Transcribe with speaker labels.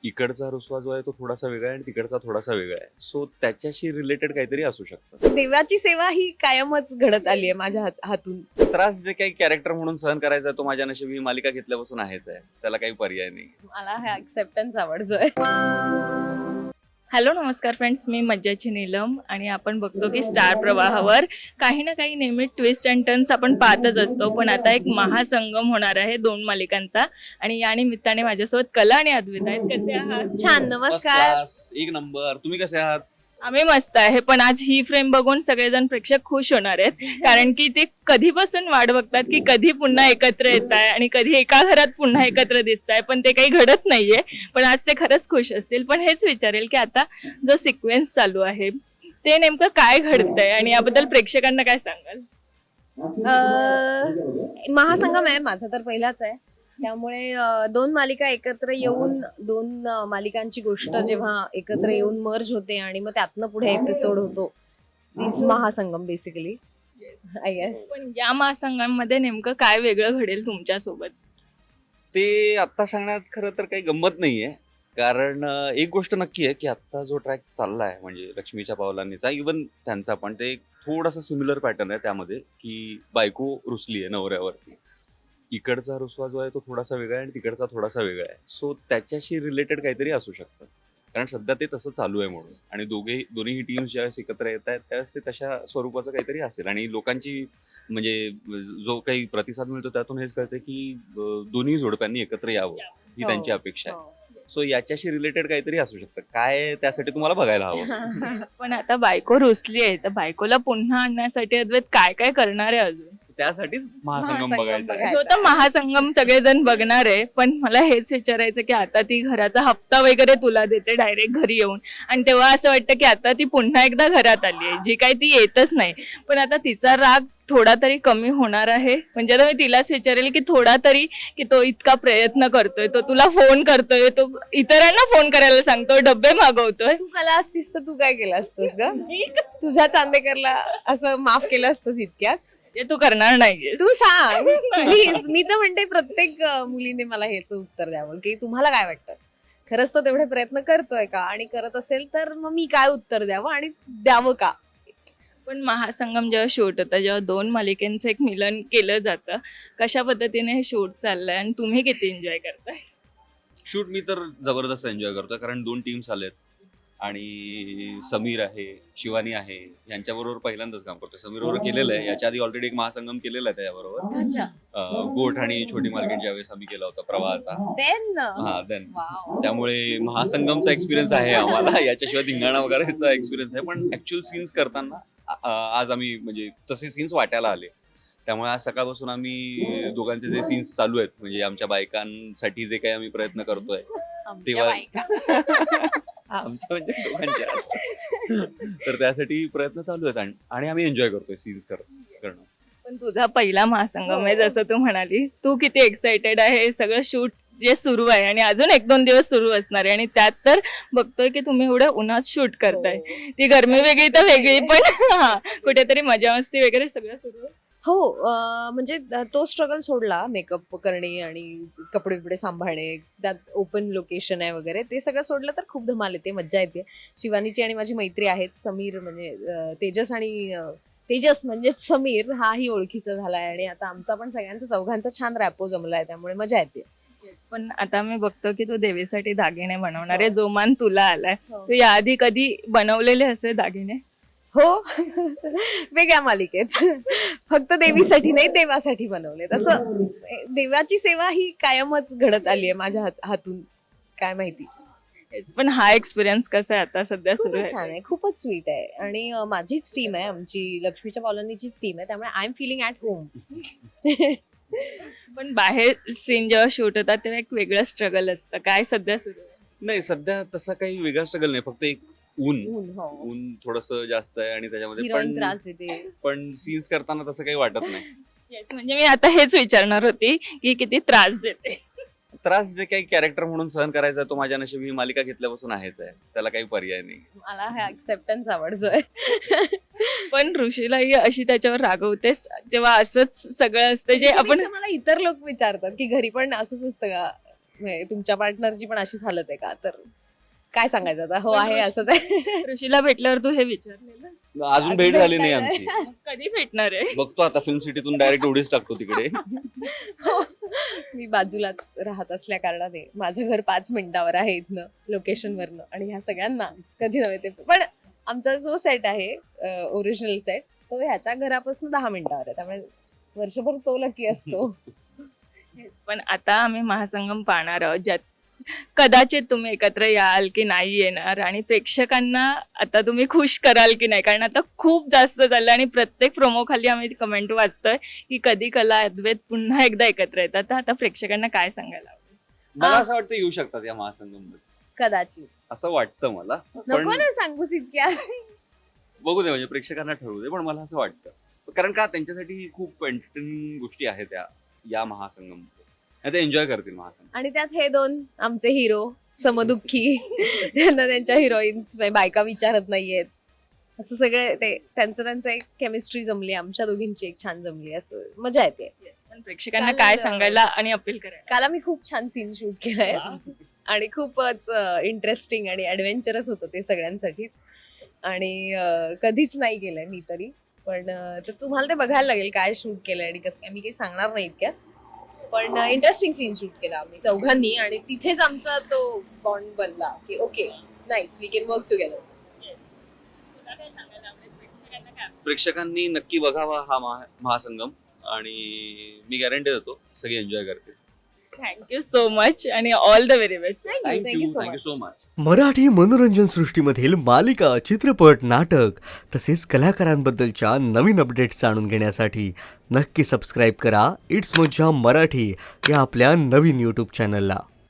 Speaker 1: इकडचा रुसवा जो आहे तो थोडासा वेगळा आहे आणि तिकडचा थोडासा वेगळा आहे. सो त्याच्याशी रिलेटेड काहीतरी असू शकतं.
Speaker 2: देवाची सेवा ही कायमच घडत आली आहे माझ्या हातून.
Speaker 1: त्रास जे काही कॅरेक्टर म्हणून सहन करायचा आहे तो माझ्या नशिबी ही मालिका घेतल्यापासून आहेच आहे. त्याला काही पर्याय नाही.
Speaker 2: मला हा ऍक्सेप्टन्स आवडतोय.
Speaker 3: हॅलो नमस्कार फ्रेंड्स, मी मज्जाची नीलम आणि आपण बघतो की स्टार प्रवाहावर काही ना काही नेहमी ट्विस्ट अँड टर्न्स आपण पाहतच असतो. पण आता एक महासंगम होणार आहे 2 मालिकांचा आणि या निमित्ताने माझ्यासोबत कला आणि अद्विता आहेत. कसे आहात?
Speaker 2: छान, नमस्कार.
Speaker 1: बस, एक नंबर. तुम्ही कसे आहात?
Speaker 3: आम्ही मस्त आहे. पण आज ही फ्रेम बघून सगळेजण प्रेक्षक खुश होणार आहेत, कारण की ते कधीपासून वाट बघतात की कधी पुन्हा एकत्र येत आहे आणि कधी एका घरात पुन्हा एकत्र दिसत आहे, पण ते काही घडत नाहीये. पण आज ते खरंच खुश असतील. पण हेच विचारेल की आता जो सिक्वेन्स चालू आहे ते नेमकं काय घडतंय आणि याबद्दल प्रेक्षकांना काय सांगाल?
Speaker 2: महासंगम आहे माझा तर पहिलाच आहे, त्यामुळे 2 मालिका एकत्र येऊन 2 मालिकांची गोष्ट जेव्हा एकत्र येऊन मर्ज होते आणि मग त्यातनं पुढे एपिसोड होतो, तीच महासंगम बेसिकली आय गेस.
Speaker 3: पण या महासंघांमध्ये नेमकं काय वेगळं घडेल तुमच्या सोबत?
Speaker 1: ते आत्ता सांगण्यात खरं तर काही गंमत नाहीये. कारण एक गोष्ट नक्की आहे की आत्ता जो ट्रॅक चालला आहे म्हणजे लक्ष्मीच्या पावलांनीचा, इवन त्यांचा पण ते थोडासा सिमिलर पॅटर्न आहे त्यामध्ये की बायको रुसली आहे नवऱ्यावरती. इकडचा रुसवा जो आहे तो थोडासा वेगळा आहे आणि तिकडचा थोडासा वेगळा आहे. सो त्याच्याशी रिलेटेड काहीतरी असू शकतं. कारण सध्या ते तसं चालू आहे म्हणून. आणि दोन्हीही टीम्स ज्यावेळेस एकत्र येत आहेत त्यावेळेस ते तशा स्वरूपाचं काहीतरी असेल. आणि लोकांची म्हणजे जो काही प्रतिसाद मिळतो त्यातून हेच कळतं की दोन्ही जोडप्यांनी एकत्र यावं ही त्यांची अपेक्षा आहे. सो याच्याशी रिलेटेड काहीतरी असू शकतं. काय त्यासाठी तुम्हाला बघायला हवं.
Speaker 3: पण आता बायको रुसली आहे, तर बायकोला पुन्हा आणण्यासाठी अद्वैत काय काय करणार आहे अजून?
Speaker 1: त्यासाठीच महासंगम बघायचा आहे.
Speaker 3: तो तर महासंगम सगळेजण बघणार आहे. पण मला हेच विचारायचं की आता ती घराचा हप्ता वगैरे तुला देते डायरेक्ट घरी येऊन, आणि तेव्हा असं वाटतं की आता ती पुन्हा एकदा घरात आली आहे, जी काही ती येतच नाही. पण आता तिचा राग थोडा तरी कमी होणार आहे. म्हणजे आता मी तिलाच विचारेल की थोडा तरी, की तो इतका प्रयत्न करतोय, तो तुला फोन करतोय, तो इतरांना फोन करायला सांगतोय, डब्बे मागवतोय.
Speaker 2: तू कला असतीस तर तू काय केलं असतंस ग? तुझ्या चांदेकरला असं माफ केलं असतंस इतक्यात?
Speaker 3: ते तू करणार नाहीये.
Speaker 2: तू सांग प्लीज. मी तर म्हणते प्रत्येक मुलीने मला हेच उत्तर द्यावं की तुम्हाला काय वाटतं, खरंच तो तेवढे प्रयत्न करतोय का, आणि करत असेल तर मग मी काय उत्तर द्यावं आणि द्यावं का?
Speaker 3: पण महासंगम जेव्हा शूट होतं, जेव्हा 2 मालिकांचं एक मिलन केलं जातं, कशा पद्धतीने हे शूट चाललंय आणि तुम्ही किती एन्जॉय करताय?
Speaker 1: शूट मी तर जबरदस्त एन्जॉय करतोय. कारण 2 टीम्स आलेत आणि समीर आहे, शिवानी आहे, यांच्याबरोबर पहिल्यांदाच काम करतोय. समीर बरोबर केलेलं आहे, याच्या आधी ऑलरेडी एक महासंगम केलेला आहे त्याच्याबरोबर. गोठ आणि छोटी मार्केट ज्यावेळेस आम्ही केला होता प्रवाहाचा. देन त्यामुळे महासंगमचा एक्सपिरियन्स आहे आम्हाला. याच्याशिवाय धिंगाणा वगैरेचा एक्सपिरियन्स आहे. पण ऍक्च्युअल सीन्स करताना आज आम्ही म्हणजे तसे सीन्स वाटायला आले. त्यामुळे आज सकाळपासून आम्ही दोघांचे जे सीन्स चालू आहेत म्हणजे आमच्या बायकांसाठी जे काही आम्ही प्रयत्न करतोय तेव्हा आमच्या म्हणजे दोघांच्या तर त्यासाठी प्रयत्न चालू आहेत आणि आम्ही एन्जॉय करतोय सीन्स करणं.
Speaker 3: पण तुझा पहिला महासंगम आहे जसं तू म्हणाली, तू किती एक्साइटेड आहे? सगळं शूट जे सुरू आहे आणि अजून 1-2 दिवस सुरू असणार आहे, आणि त्यात तर बघतोय की तुम्ही एवढं उन्हात शूट करताय. ती गरमी वेगळी तर वेगळी, पण कुठेतरी मजा मस्ती वगैरे सगळं सुरू आहे.
Speaker 2: हो, म्हणजे तो स्ट्रगल सोडला, मेकअप करणे आणि कपडे बिपडे सांभाळणे, त्यात ओपन लोकेशन आहे वगैरे, ते सगळं सोडलं तर खूप धमाल येते, मज्जा येते. शिवानीची आणि माझी मैत्री आहेच. समीर म्हणजे तेजस म्हणजे समीर हाही ओळखीचा झालाय आणि आता आमचा पण सगळ्यांचा चौघांचा छान रॅपो जमलाय, त्यामुळे मजा येते.
Speaker 3: पण आता मी बघतो की तू देवीसाठी दागिने बनवणार आहे, जो मान तुला आलाय. तू याआधी कधी बनवलेले असे दागिने?
Speaker 2: हो, वेगळ्या मालिकेत. फक्त देवीसाठी नाही, देवासाठी बनवले. तसं देवाची सेवा ही कायमच घडत आली आहे माझ्या हातून, काय माहिती.
Speaker 3: पण हा एक्सपिरियन्स कसा आहे आता सध्या सुरू
Speaker 2: खूपच छान
Speaker 3: आहे?
Speaker 2: आहे, खूपच स्वीट आहे. आणि माझीच टीम आहे, आमची लक्ष्मीच्या पावलांनीचीच टीम आहे, त्यामुळे I am feeling at home.
Speaker 3: पण बाहेर सीन जेव्हा शूट होतात तेव्हा एक वेगळं स्ट्रगल असतं. काय सध्या सुरू आहे?
Speaker 1: नाही, सध्या तसा काही वेगळा स्ट्रगल नाही. फक्त एक
Speaker 2: हो.
Speaker 1: ऊन थोडस जास्त आहे आणि त्याच्यामध्ये
Speaker 2: हिरोईन त्रास देते.
Speaker 1: पण सीन्स करताना तसं काही वाटत नाही.
Speaker 3: येस, म्हणजे मी आता हेच विचारणार होती की किती त्रास देते.
Speaker 1: त्रास जे काही कॅरेक्टर म्हणून सहन करायचा आहे तो माझ्या नशिबी ही मालिका घेतल्यापासून आहेच आहे. त्याला काही पर्याय नाही.
Speaker 2: मला हा ऍक्सेप्टन्स आवडतोय.
Speaker 3: पण ऋषीलाही अशी त्याच्यावर रागवतेस जेव्हा असंच सगळं असतं जे आपण.
Speaker 2: मला इतर लोक विचारतात की घरी पण असंच असतं का, म्हणजे तुमच्या पार्टनरची पण अशीच हालत आहे का? तर काय सांगायचं आता, हो आहे असंच आहे.
Speaker 3: ऋषीला भेटल्यावर तू हे विचारलेलं
Speaker 1: अजून भेट झाली नाही आमची.
Speaker 3: कधी भेटणार आहे?
Speaker 1: बघतो आता फिल्म सिटीतून डायरेक्ट उडीच टाकतो तिकडे.
Speaker 2: मी बाजूलाच राहत असल्या कारणाने माझं घर 5 मिनिटावर आहे इथनं, लोकेशनवरनं, आणि ह्या सगळ्यांना कधी नव्हे ते. पण आमचा जो सेट आहे ओरिजिनल सेट, तो ह्याच्या घरापासून 10 मिनिटावर आहे, त्यामुळे वर्षभर तो लकी असतो.
Speaker 3: Yes, पण आता आम्ही महासंगम पाहणार आहोत, ज्यात कदाचित तुम्ही एकत्र याल की नाही येणार, आणि प्रेक्षकांना आता तुम्ही खुश कराल की नाही, कारण आता खूप जास्त चाललं आणि प्रत्येक प्रोमो खाली आम्ही कमेंट वाचतोय की कधी कला अद्वैत पुन्हा एकदा एकत्र येतात. तर आता प्रेक्षकांना काय सांगायला आवडेल?
Speaker 1: मला असं वाटतं येऊ शकतात या महासंगम
Speaker 2: कदाचित
Speaker 1: असं वाटतं मला.
Speaker 2: नको ना सांगूस इतक्या.
Speaker 1: बघू दे, म्हणजे प्रेक्षकांना ठरवू दे, पण मला असं वाटतं, कारण का त्यांच्यासाठी खूप एंटरटेनिंग गोष्टी आहेत या महासंगम, ते एन्जॉय करतील महासंगम.
Speaker 2: आणि त्यात हे 2 आमचे हिरो समदुःखी, त्यांना त्यांच्या हिरोईन्स बायका विचारत नाहीयेत, असं सगळे ते त्यांचं एक केमिस्ट्री जमली, आमच्या दोघींची एक छान जमली, असं मजा येते.
Speaker 3: Yes, पण प्रेक्षकांना
Speaker 2: काल,
Speaker 3: काय सांगायला आणि अपील करायला?
Speaker 2: काल आम्ही खूप छान सीन शूट केलाय आणि खूपच इंटरेस्टिंग आणि ऍडव्हेंचरस होतं ते सगळ्यांसाठीच, आणि कधीच नाही केलंय मी तरी. पण तर तुम्हाला ते बघायला लागेल काय शूट केलंय आणि कसं काय, मी काही सांगणार नाही इतक्यात. पण इंटरेस्टिंग सीन शूट केला आम्ही चौघांनी, आणि तिथेच आमचा तो बॉन्ड बनला की okay nice, we can work together.
Speaker 3: तुला काय सांगायला आवडेल? प्रेक्षकांना काय आवडेल?
Speaker 1: प्रेक्षकांनी नक्की बघावा हा महासंगम, आणि मी गॅरंटी देतो सगळे एन्जॉय करतील.
Speaker 3: थँक्यू सो मच आणि all the very best.
Speaker 2: Thank you so
Speaker 1: thank you
Speaker 2: much.
Speaker 1: So much.
Speaker 4: Marathi मनोरंजन सृष्टीमधील मालिका, चित्रपट, नाटक तसेच कलाकारांबद्दलच्या नवीन अपडेट्स जाणून घेण्यासाठी नक्की सबस्क्राईब करा इट्स मज्जा मराठी या आपल्या नवीन यूट्यूब चॅनलला.